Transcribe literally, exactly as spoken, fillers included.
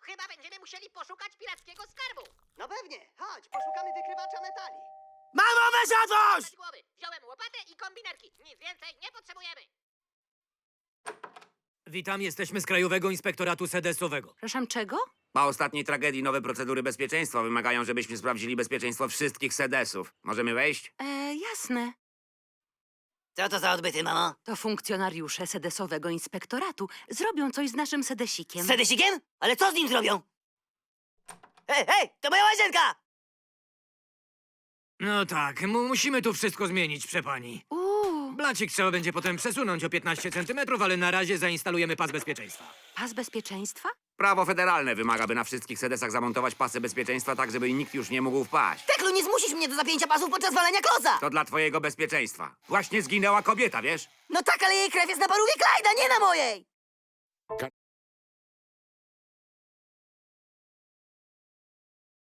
Chyba będziemy musieli poszukać pirackiego skarbu. No pewnie, chodź, poszukamy wykrywacza metali. Mamo, wysiadłość! Bez głowy. Wziąłem łopatę i kombinerki. Nic więcej nie potrzebujemy. Witam, jesteśmy z Krajowego Inspektoratu Sedesowego. Przepraszam, czego? Po ostatniej tragedii nowe procedury bezpieczeństwa wymagają, żebyśmy sprawdzili bezpieczeństwo wszystkich sedesów. Możemy wejść? E, jasne. Co to za odbyty, mamo? To funkcjonariusze Sedesowego Inspektoratu zrobią coś z naszym Sedesikiem. Z Sedesikiem? Ale co z nim zrobią? Hej, hej, to moja łazienka! No tak, mu musimy tu wszystko zmienić, przepani. Uuu, Blacik trzeba będzie potem przesunąć o piętnaście centymetrów, ale na razie zainstalujemy pas bezpieczeństwa. pas bezpieczeństwa? Prawo federalne wymaga, by na wszystkich sedesach zamontować pasy bezpieczeństwa tak, żeby nikt już nie mógł wpaść. Teklu, nie zmusisz mnie do zapięcia pasów podczas walenia kloca! To dla twojego bezpieczeństwa. Właśnie zginęła kobieta, wiesz? No tak, ale jej krew jest na parówie Klajda, nie na mojej!